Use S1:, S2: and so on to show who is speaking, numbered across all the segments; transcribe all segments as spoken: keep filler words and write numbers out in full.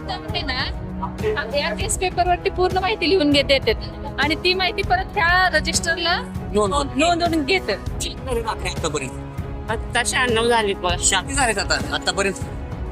S1: त्यामध्ये ना या टेस्ट पेपरवरती पूर्ण माहिती लिहून घेते येतात आणि ती माहिती परत त्या रजिस्टरला नोंदवून घेते.
S2: आतापर्यंत आता शहाण्णव झाली बघा.
S3: शाती झालेत आता आतापर्यंत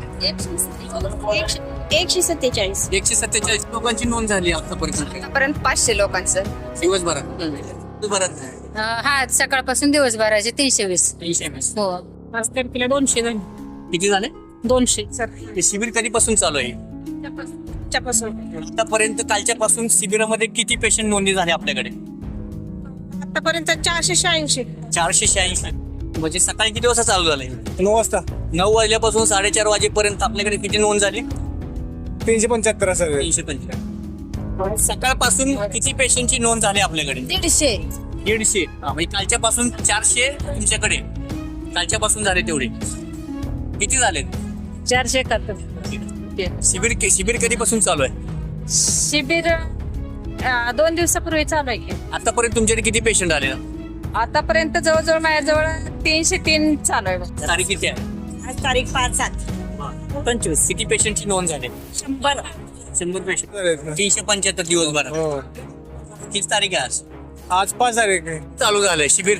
S4: एकशे सत्तेचाळीस
S3: एकशे सत्तेचाळीस लोकांची नोंद झाली आतापर्यंत
S4: पर्यंत पाचशे लोकांचं
S3: दिवसभरात दिवसभरात
S5: हा सकाळपासून दिवसभराचे तीनशे वीस.
S3: तीनशे वीस.
S5: हो
S2: पाच तारखेला दोनशे झाली.
S3: किती झाले?
S2: दोनशे
S3: हे शिबिर कधीपासून चालू आहे? आतापर्यंत कालच्या पासून शिबिरामध्ये किती पेशंट नोंदणी झाले आपल्याकडे?
S2: आतापर्यंत चारशे शहाऐंशी.
S3: चारशे शहाऐंशी. म्हणजे सकाळी किती वाजता चालू झालंय?
S6: नऊ वाजता
S3: नऊ वाजल्यापासून साडेचार वाजेपर्यंत आपल्याकडे किती नोंद झाली?
S6: तीनशे पंच्याहत्तर असेल.
S3: तीनशे पंचवीस. सकाळपासून किती पेशंटची नोंद झाली आपल्याकडे?
S5: दीडशे.
S3: दीडशे. हा, म्हणजे कालच्या पासून चारशे तुमच्याकडे कालच्या पासून झाले तेवढे किती झाले?
S2: चारशे एकाहत्तर.
S3: शिबिर शिबिर कधीपासून चालू आहे?
S1: शिबिर अं, दोन दिवसापूर्वी चालू आहे की.
S3: आतापर्यंत तुमच्याकडे किती पेशंट आले?
S1: आतापर्यंत जवळजवळ माझ्याजवळ तीनशे तीन चालू आहे.
S3: तारीख किती आहे?
S2: आज तारीख पाच सात
S3: पंचवीस. किती पेशंटची नोंद झाली?
S2: शंभर.
S3: शंभर पेशंट. तीनशे पंच्याहत्तर दिवसभरात.
S6: हो.
S3: किती तारीख आहे आज?
S6: आज पाच तारीख आहे.
S3: चालू झालंय शिबिर?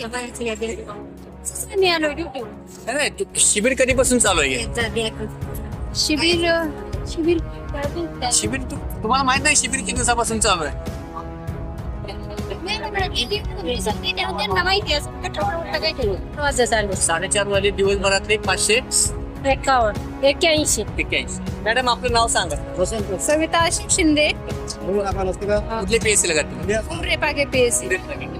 S5: मी आलो ड्युटी.
S3: नाही, नाही, तू- शिबिर कधीपासून चालू आहे?
S5: शिबिर शिबिर
S3: शिबिर तू- तुम्हाला माहित नाही शिबिर किती दिवसापासून चालू आहे?
S5: वाजता चालू.
S3: साडेचार वाजे दिवसभरातले पाचशे
S5: एकावन्न एक्क्याऐंशी.
S3: एक्क्याऐंशी. मॅडम आपलं नाव सांगा.
S5: सविता आशिष शिंदे.
S3: कुठले पीएससी लागत?
S5: उमरे पागे पीएससी.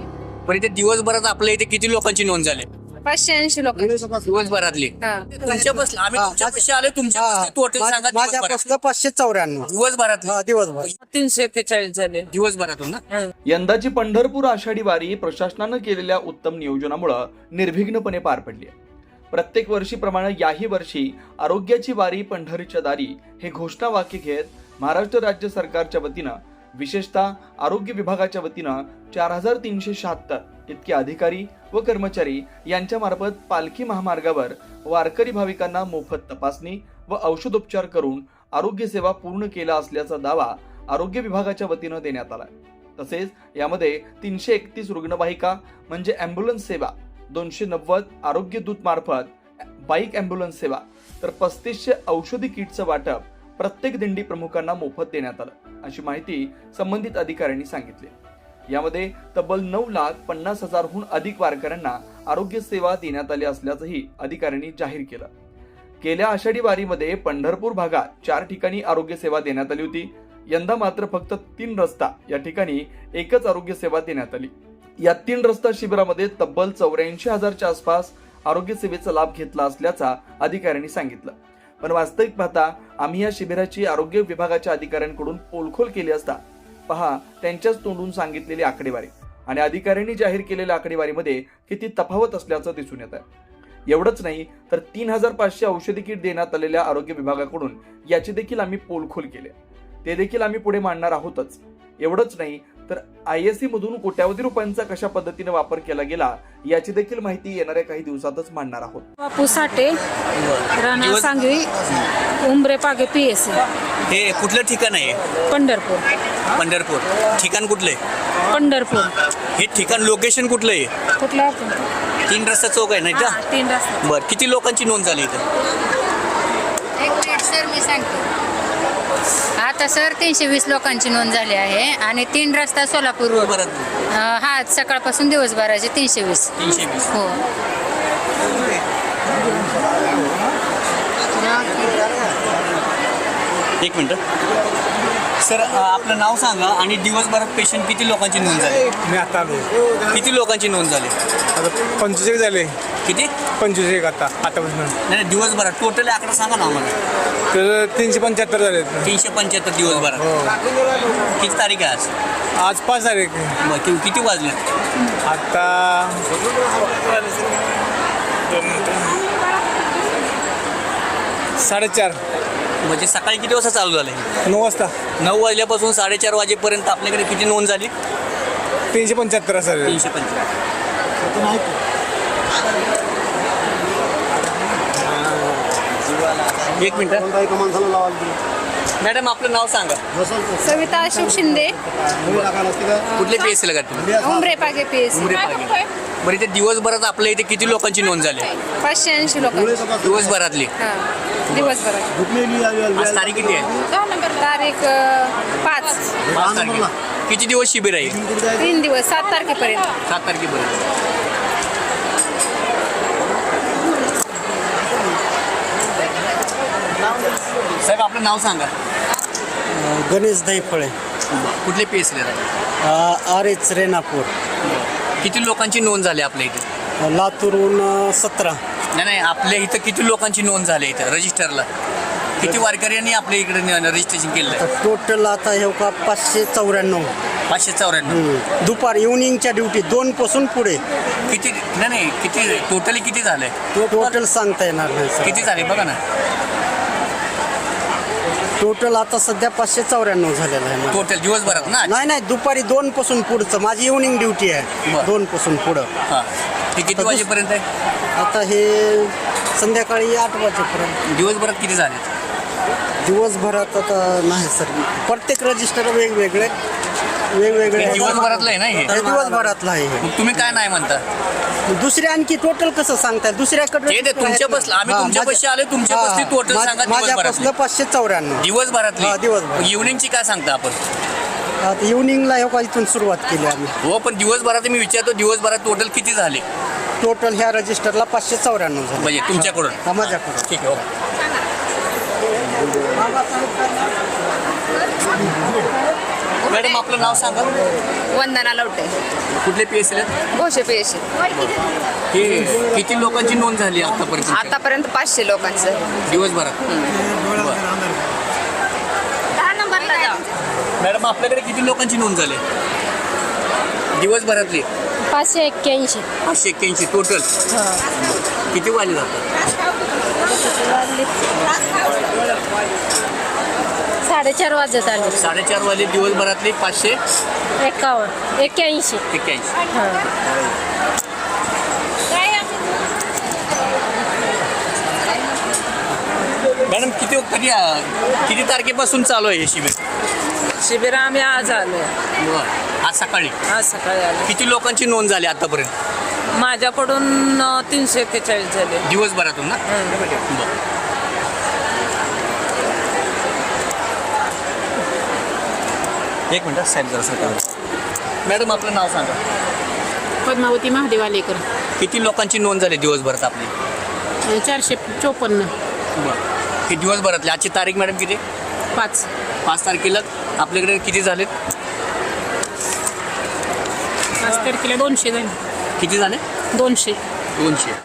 S3: पण इथे दिवसभरात आपल्या इथे किती लोकांची नोंद झाली?
S5: पाचशे ऐंशी लोक.
S3: दिवसभरातली.
S5: हा.
S3: तुमच्या बसला आम्ही तुमच्या पैसे आले तुमच्या टोटल सांगा दिवसभरात.
S6: माझ्यापासून पाचशे चौऱ्याण्णव
S3: दिवसभरात
S6: दिवसभर.
S2: तीनशे एक्केचाळीस झाले.
S3: दिवसभरातून ना?
S7: यंदाची पंढरपूर आषाढी वारी प्रशासनानं केलेल्या उत्तम नियोजनामुळे निर्विघ्नपणे पार पडली आहे. प्रत्येक वर्षीप्रमाणे याही वर्षी आरोग्याची वारी पंढरीच्या दारी हे घोषणावाक्य घेत महाराष्ट्र राज्य सरकारच्या वतीनं विशेषतः आरोग्य विभागाच्या वतीनं चार हजार तीनशे शहात्तर इतके अधिकारी व कर्मचारी यांच्या मार्फत पालखी महामार्गावर वारकरी भाविकांना मोफत तपासणी व औषधोपचार करून आरोग्य सेवा पूर्ण केला असल्याचा दावा आरोग्य विभागाच्या वतीनं देण्यात आला. तसेच यामध्ये तीनशे एकतीस रुग्णवाहिका म्हणजे अँब्युलन्स सेवा, दोनशे नव्वद आरोग्य दूत मार्फत बाईक अँब्युलन्स सेवा, तर पस्तीसशे औषधी किटचं वाटप प्रत्येक दिंडी प्रमुखांना मोफत देण्यात आलं, अशी माहिती संबंधित अधिकाऱ्यांनी सांगितली. यामध्ये तब्बल नऊ लाख पन्नास हजारहून अधिक वारकऱ्यांना आरोग्य सेवा देण्यात आली असल्याचंही अधिकाऱ्यांनी जाहीर केलं. गेल्या आषाढी वारीमध्ये पंढरपूर भागात चार ठिकाणी आरोग्य सेवा देण्यात आली होती. यंदा मात्र फक्त तीन रस्ता या ठिकाणी एकच आरोग्य सेवा देण्यात आली. या तीन रस्ता शिबिरामध्ये तब्बल चौऱ्याऐंशी हजारच्या आसपास आरोग्य सेवेचा लाभ घेतला असल्याचा अधिकाऱ्यांनी सांगितलं. पण वास्तविक पाहता आम्ही या शिबिराची आरोग्य विभागाच्या अधिकाऱ्यांकडून पोलखोल केली असता पहा त्यांच्याच तोंडून सांगितलेली आकडेवारी आणि अधिकाऱ्यांनी जाहीर केलेल्या आकडेवारीमध्ये किती तफावत असल्याचं दिसून येत आहे. एवढंच नाही तर तीन हजार पाचशे औषधी किट देण्यात आलेल्या आरोग्य विभागाकडून याची देखील आम्ही पोलखोल केले, ते देखील आम्ही पुढे मांडणार आहोतच. एवढंच नाही तर आय एस सी मधून कोट्यावधी रुपयांचा कशा पद्धतीने वापर केला गेला याची देखील माहिती येणाऱ्या काही दिवसातच मांडणार आहोत.
S1: बापू साठे, राणा सांगवी, उमरे पागे पीएससी,
S3: हे कुठलं ठिकाण आहे?
S1: पंढरपूर.
S3: पंढरपूर. ठिकाण कुठलं आहे?
S1: पंढरपूर.
S3: हे ठिकाण लोकेशन कुठलं आहे?
S1: कुठला?
S3: तीन रस्ता चौक आहे नाही का?
S1: तीन रस्ते.
S3: बर, किती लोकांची नोंद झाली इथं?
S5: एक मिनिट सर मी सांगते. आता सर तीनशे वीस लोकांची नोंद झाली आहे आणि तीन रस्ता सोलापूर रोड.
S3: बरं.
S5: अं, हा सकाळपासून दिवसभराचे तीनशे वीस.
S3: तीनशे वीस.
S5: हो.
S3: एक मिनिट सर, आपलं नाव सांगा आणि दिवसभरात पेशंट किती लोकांची नोंद झाली?
S6: मी आता आलो.
S3: किती लोकांची नोंद झाली?
S6: आता पंचवीस एक झाले.
S3: किती?
S6: पंचवीस एक आता आतापासून.
S3: नाही नाही, दिवसभरात टोटल आकडा सांगा ना आम्हाला.
S6: तर तीनशे पंच्याहत्तर झाले.
S3: तीनशे पंच्याहत्तर दिवसभरात. किती तारीख आहे आज?
S6: आज पाच तारीख.
S3: बरं, कि- किती वाजले?
S6: आता साडेचार.
S3: म्हणजे सकाळी किती वाजता चालू झालं?
S6: नऊ वाजता.
S3: नऊ वाजल्यापासून साडेचार वाजेपर्यंत आपल्याकडे किती नोंद झाली?
S6: तीनशे पंच्याहत्तर असेल.
S3: तीनशे पंच्याहत्तर. एक मिनिट. मॅडम आपलं नाव सांगा.
S5: सविता अशोक शिंदे,
S3: कुठले पी एस सी ला तुम्ही?
S5: उमरे पागे पी एस
S3: उमरे पागे. बरं इथे दिवसभरात आपल्या इथे किती लोकांची नोंद झाली?
S5: पाचशे ऐंशी लोकांची.
S3: दिवसभरातली.
S5: दिवसभरात
S3: आज तारीख किती आहे?
S5: तारीख अ, पाच
S3: पाच तारखेला. किती दिवस शिबिर आहे?
S5: तीन दिवस सात तारखेपर्यंत.
S3: सात तारखेपर्यंत. साहेब आपलं नाव सांगा.
S8: गणेश दैफळे,
S3: कुठले पी एस सी ला?
S8: आर एच रेणापूर,
S3: किती लोकांची नोंद झाली आपल्या इथे?
S8: लातूरहून सतरा.
S3: नाही नाही आपल्या इथं किती लोकांची नोंद झाली इथं रजिस्टरला? किती वारकऱ्यांनी आपल्या इकडे रजिस्ट्रेशन केलं?
S8: टोटल आता हे का पाचशे चौऱ्याण्णव.
S3: पाचशे चौऱ्याण्णव.
S8: दुपार इव्हनिंगच्या ड्युटी दोन पासून पुढे.
S3: किती नाही नाही किती टोटली किती झालंय?
S8: टोटल सांगता येणार नाही सर.
S3: किती झाले बघा ना.
S8: टोटल आता सध्या पाचशे चौऱ्याण्णव झालेलं आहे.
S3: टोटल दिवसभरात ना?
S8: नाही नाही दुपारी दोन पासून पुढचं माझी इव्हनिंग ड्युटी आहे.
S3: बरं.
S8: दोन पासून पुढं.
S3: हा हे किती वाजेपर्यंत आहे?
S8: आता हे संध्याकाळी आठ वाजेपर्यंत.
S3: दिवसभरात किती झाले?
S8: दिवसभरात आता नाही सर, प्रत्येक रजिस्टर वेगवेगळे वेगवेगळे
S3: हे
S8: आहेत.
S3: दिवसभरातलं आहे ना हे?
S8: हे दिवसभरातलं आहे हे.
S3: मग तुम्ही काय नाही म्हणता?
S8: दुसरे आणखी टोटल कसं सांगताय? दुसऱ्याकडे
S3: ते- ते तुमच्या बसलं. आम्ही
S8: हा,
S3: तुमच्या
S8: माझ्या-
S3: बसशी आलोय, तुमच्या
S8: हा,
S3: बसची total
S8: मा-
S3: सांगा
S8: माझ्या
S3: दिवसभरातली.
S8: बसलं पाचशे चौऱ्याण्णव.
S3: दिवसभरातली.
S8: हा, दिवसभरात.
S3: इव्हनिंगची काय सांगता आपण?
S8: आता इव्हनिंगला हे का इथून सुरुवात केली आम्ही.
S3: हो पण दिवसभरात मी विचारतो दिवसभरात टोटल किती झाले?
S8: टोटल ह्या रजिस्टरला पाचशे चौऱ्याण्णव झाले.
S3: म्हणजे तुमच्याकडून?
S8: हा, माझ्याकडून.
S3: ठीक आहे. हो. मॅडम आपलं नाव सांगा.
S4: वंदना लवटे,
S3: कुठले P S C
S4: Ghoshe P S C.
S3: हे किती लोकांची नोंद झाली आतापर्यंत?
S4: आतापर्यंत पाचशे लोकांचं.
S3: दिवसभरात.
S4: दहा नंबरला जा.
S3: मॅडम आपल्याकडे किती लोकांची नोंद झाली दिवसभरातली?
S5: पाचशे एक्क्याऐंशी.
S3: पाचशे एक्क्याऐंशी टोटल. किती वाले जातात?
S5: साडेचार वाजत आले.
S3: साडेचार वाले दिवसभरातले पाचशे
S5: एक्कावन्न एक्क्याऐंशी.
S3: एक्क्याऐंशी. मॅडम किती कधी किती तारखेपासून चालू आहे हे शिबिर?
S1: शिबिर आम्ही आज आलो.
S3: बरं. आज सकाळी.
S1: आज सकाळी आलो.
S3: किती लोकांची नोंद झाली आतापर्यंत?
S1: माझ्याकडून अ, तीनशे एक्केचाळीस झाले.
S3: दिवसभरातून ना? बरं. एक मिनिट साहेब जरा सरकार. मॅडम आपलं नाव सांगा.
S2: पद्मावती महादेव आलेकर,
S3: किती लोकांची नोंद झाली दिवसभरात आपली?
S2: चारशे चोपन्न.
S3: बरं. हे दिवसभरातली आजची तारीख मॅडम किती?
S2: पाच.
S3: पाच तारखेला आपल्याकडे किती झालेत?
S2: पाच तारखेला दोनशे झाले.
S3: किती झाले?
S2: दोनशे.
S3: दोनशे.